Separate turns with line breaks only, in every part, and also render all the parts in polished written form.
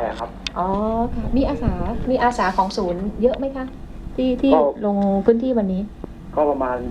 อะครับ
อ๋อค่ะมีอาสาของศูนย์เยอะไหมคะที่ลงพื้นที่วันนี้
ก็ประมาณ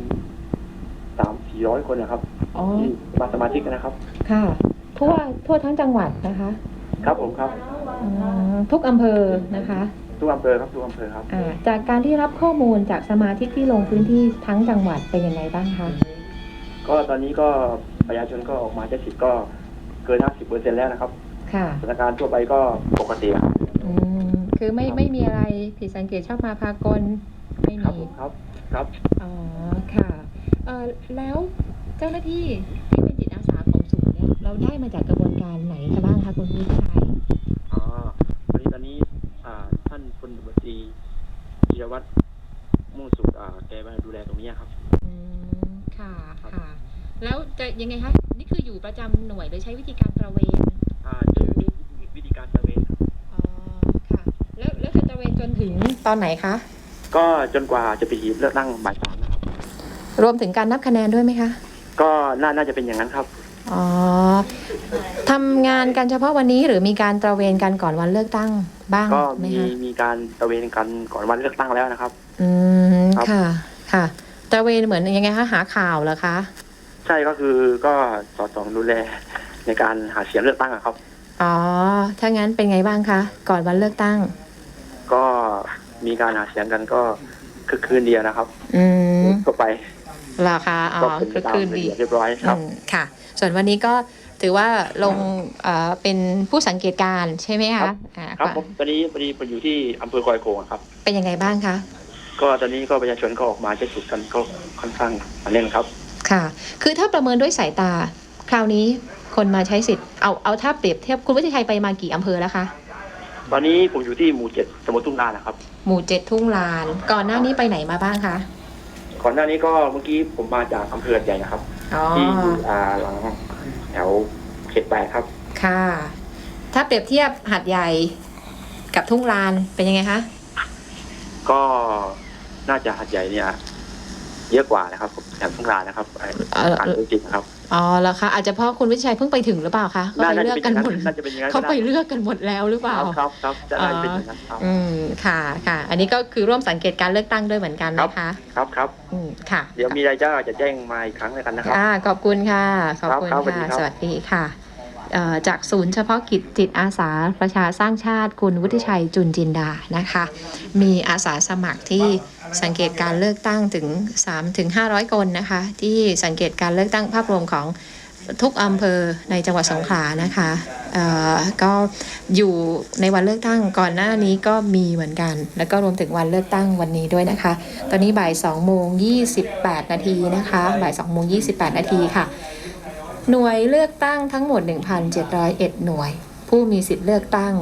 300-400 คนนะครับที่มาสมาชิกนะครับ
ค่ะทั่วทั้งจังหวัดนะคะ
ครับผมครับ
ทุกอำเภอนะคะ
ทุกอำเภอครับทุกอำเภอครับ
จากการที่รับข้อมูลจากสมาชิกที่ลงพื้นที่ทั้งจังหวัดเป็นยังไงบ้างคะ
ก็ตอนนี้ก็ประชาชนก็ออกมาใช้สิทธิ์ก็เกิน 50% แล้วนะครับ
ค่ะ
สถานการณ์ทั่วไปก็ปกติครับ
คือไม่มีอะไรผิดสังเกตชอบมาพากลไม่มี
ครับ
อ๋อค่ะแล้วเจ้าหน้าที่ที่เป็นจิตอาสาของศูนย์เนี่ยเราได้มาจากกระบวนการไหนคะบ้างคะคุณวิชัย
ตอนนี้ท่านพลตำรวจตรีจิรวัตรมุ่งสุขแกมาดูแลตรงนี้ครับ
ค่ะแล้วจะยังไงคะนี่คืออยู่ประจำหน่วยหรือใช้วิธีการตระเวน
จะอยู่วิธีการตระเวน
อ๋อค่ะแล้วจะตระเวนจนถึงตอนไหนคะ
ก็จนกว่าจะไปหีบเลือกตั้งบ่าย 3นะครับ
รวมถึงการนับคะแนนด้วยไหมคะ
ก็น่าจะเป็นอย่างนั้นครับ
อ๋อทำงานกันเฉพาะวันนี้หรือมีการตระเวนกันก่อนวันเลือกตั้งบ้าง
ก็
ไหมคะ
มีการตระเวนกันก่อนวันเลือกตั้งแล้วนะครับ
ค่ะตระเวนเหมือนยังไงคะหาข่าวเหรอคะ
ใช่ก็คือก็สอดส่องดูแลในการหาเสียงเลือกตั้งครับ
อ๋อถ้างั้นเป็นไงบ้างคะก่อนวันเลือกตั้ง
ก็มีการหาเสียงกันก็คือคืนเดียวนะครับก็ไป
ราคาคือคืนดี
เรียบร้อยครับ
ค่ะส่วนวันนี้ก็ถือว่าลงเป็นผู้สังเกตการใช่ไหมคะ
ครับผมตอนนี้พอดีผมอยู่ที่อำเภอคอยโขงครับ
เป็นยังไงบ้างคะ
ก็ตอนนี้ก็ประชาชนก็ออกมาใช้สิทธิ์กันก็ค่อนข้างแน่นครับ
ค่ะคือถ้าประเมินด้วยสายตาคราวนี้คนมาใช้สิทธิ์เอาถ้าเปรียบเทียบคุณวิชัยไปมากี่อำเภอแล้วคะ
ตอนนี้ผมอยู่ที่หมู่ 7ตำบลทุ่งลานนะครับ
หมู่ 7ทุ่งลานก่อนหน้านี้ไปไหนมาบ้างคะ
ก่อนหน้านี้ก็เมื่อกี้ผมมาจากอำเภอใหญ่นะครับที่หลังแถวเขต 8ครับ
ค่ะถ้าเปรียบเทียบหาดใหญ่กับทุ่งลานเป็นยังไงคะ
ก็น่าจะหาดใหญ่เนี่ยเยอะกว่านะครับแถวทุ่งลานนะครับการดูจิตนะครับ
แล้วคะอาจจะเพราะคุณวิชัยเพิ่งไปถึงหรือเปล่าคะเขาไปเลือกกันหมดเขาไปเลือกกันหมดแล้วหรือเปล่า
ครับจะได้เป็นอย่างนั้นครับ
ค่ะอันนี้ก็คือร่วมสังเกตการเลือกตั้งด้วยเหมือนกันนะคะ
ครับ
ค่ะ
เดี๋ยวมีอะไรจะแจ้งมาอีกครั้งแล้วกันนะครับ
ขอบคุณค่ะขอบคุณค่ะสวัสดีค่ะจากศูนย์เฉพาะกิจจิตอาสาประชาสร้างชาติคุณวุฒิชัยจุนจินดานะคะมีอาสาสมัครที่สังเกตการเลือกตั้งถึง 300-500 คนนะคะที่สังเกตการเลือกตั้งภาพรวมของทุกอำเภอในจังหวัดสงขลานะคะก็อยู่ในวันเลือกตั้งก่อนหน้านี้ก็มีเหมือนกันแล้วก็รวมถึงวันเลือกตั้งวันนี้ด้วยนะคะตอนนี้บ่าย 2:28 นาทีนะคะบ่าย 2:28 นาทีค่ะหน่วยเลือกตั้งทั้งหมด 1,701 หน่วยผู้มีสิทธิ์เลือกตั้ง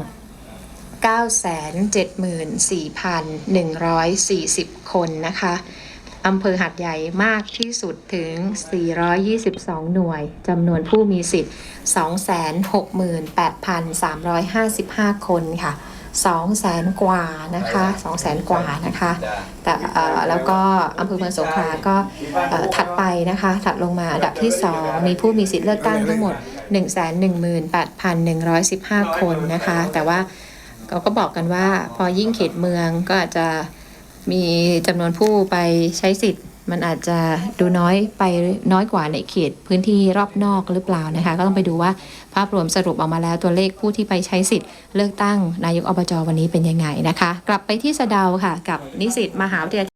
974,140 คนนะคะอำเภอหาดใหญ่มากที่สุดถึง 422 หน่วยจำนวนผู้มีสิทธิ์ 268,355 คนค่ะ200,000 กว่านะคะ200,000 กว่านะคะแต่แล้วก็อำเภอเมืองสงขลาก็ถัดไปนะคะถัดลงมาอันดับที่2มีผู้มีสิทธิ์เลือกตั้งทั้งหมด 118,115 คนนะคะแต่ว่าเขาก็บอกกันว่าพอยิ่งเขตเมืองก็อาจจะมีจำนวนผู้ไปใช้สิทธิ์มันอาจจะดูน้อยกว่าในเขตพื้นที่รอบนอกหรือเปล่านะคะก็ต้องไปดูว่าภาพรวมสรุปออกมาแล้วตัวเลขผู้ที่ไปใช้สิทธิ์เลือกตั้งนายกอบจ.วันนี้เป็นยังไงนะคะกลับไปที่สะเดาค่ะกับนิสิตมหาวิทยาลัย